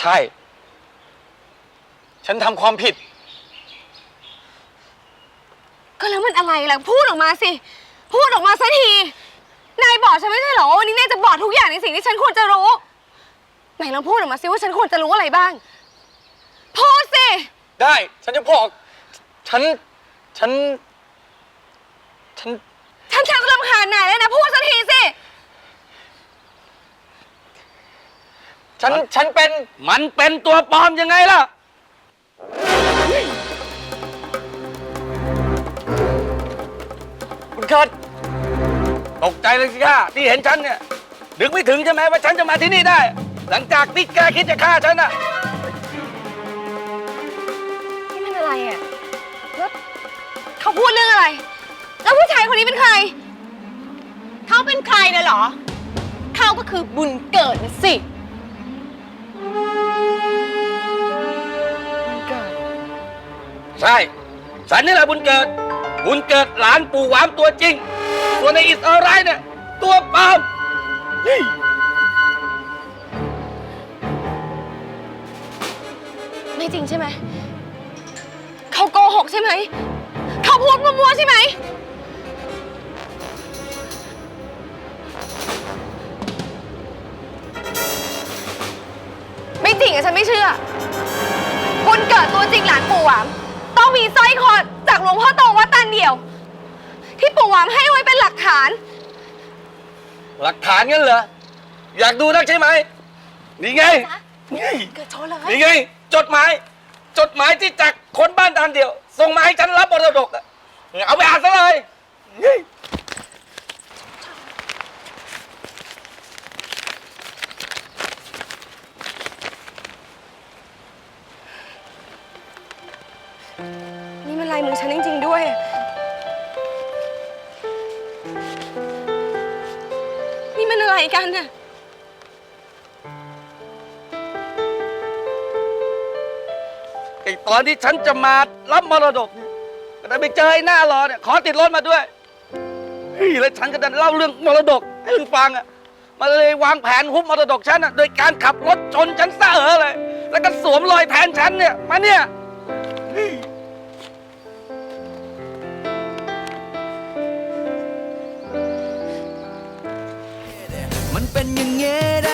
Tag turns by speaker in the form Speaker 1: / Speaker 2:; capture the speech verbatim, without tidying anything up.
Speaker 1: ช่ฉันทำความผิด
Speaker 2: ก็แล้วมันอะไรล่ะพูดออกมาสิพูดออกมาสักทีนายบอกฉันไม่ใช่เหรอว่าวันนี้นายจะบอกทุกอย่างในสิ่งที่ฉันควรจะรู้ไหนลองพูดออกมาสิว่าฉันควรจะรู้อะไรบ้างพูดสิ
Speaker 1: ได้ฉันจะบอกฉันฉันฉัน
Speaker 2: ฉันชักรำคาญนายแล้วนะพูดสักทีสิ
Speaker 1: ฉันฉันเป็น
Speaker 3: มันเป็นตัวปลอมยังไงล่ะคุณเคิร์ดตกใจเลยสิค่ะที่เห็นฉันเนี่ยนึกไม่ถึงใช่ไหมว่าฉันจะมาที่นี่ได้ หลังจากที่แกคิดจะฆ่าฉันน่ะ
Speaker 2: นี่มันอะไรอ่ะแล้วเขาพูดเรื่องอะไรแล้วผู้ชายคนนี้เป็นใครเขาเป็นใครนะเหรอเขาก็คือบุญเกิดนะสิบุญเกิด
Speaker 3: ใช่ฉันนี่แหละบุญเกิดบุญเกิดหลานปู่หวามตัวจริงส่วนในอิสราเอลเนี่ยตัวปลอม
Speaker 2: ไม่จริงใช่ไหมเขาโกหกใช่ไหมเขาพูดมั่วๆใช่ไหมไม่จริงอะฉันไม่เชื่อบุญเกิดตัวจริงหลานปู่หวามต้องมีสร้อยคอจากหลวงพ่อโตวัดตันเดี่ยวที่ปู่หวามให้ไว้เป็นหลักฐาน
Speaker 3: หลักฐานงั้นเหรออยากดูนักใช่ไหมนี่ไงนี่
Speaker 2: เกิดโชว์เลย
Speaker 3: นี่ไงจดหมายจดหมายที่จากคนบ้านตันเดี่ยวส่งมาให้ฉันรับมรดกอะเอาไปอ่านซะเลย
Speaker 2: นี่มันลายมือฉันจริงๆด้วยนี่มันอะไรกันน่ะ
Speaker 3: ไอ้ตอนที่ฉันจะมารับมรดกเนี่ยก็ได้ไปเจอไอ้หน้ารอเนี่ยขอติดรถมาด้วยเฮ้ยแล้วฉันก็ดันเล่าเรื่องมรดกให้มึงฟังอ่ะมาเลยวางแผนฮุบมรดกฉันอ่ะโดยการขับรถชนฉันซะเออเลยแล้วก็สวมรอยแทนฉันเนี่ยมาเนี่ย
Speaker 4: มันเป็นอย่างเงี้ย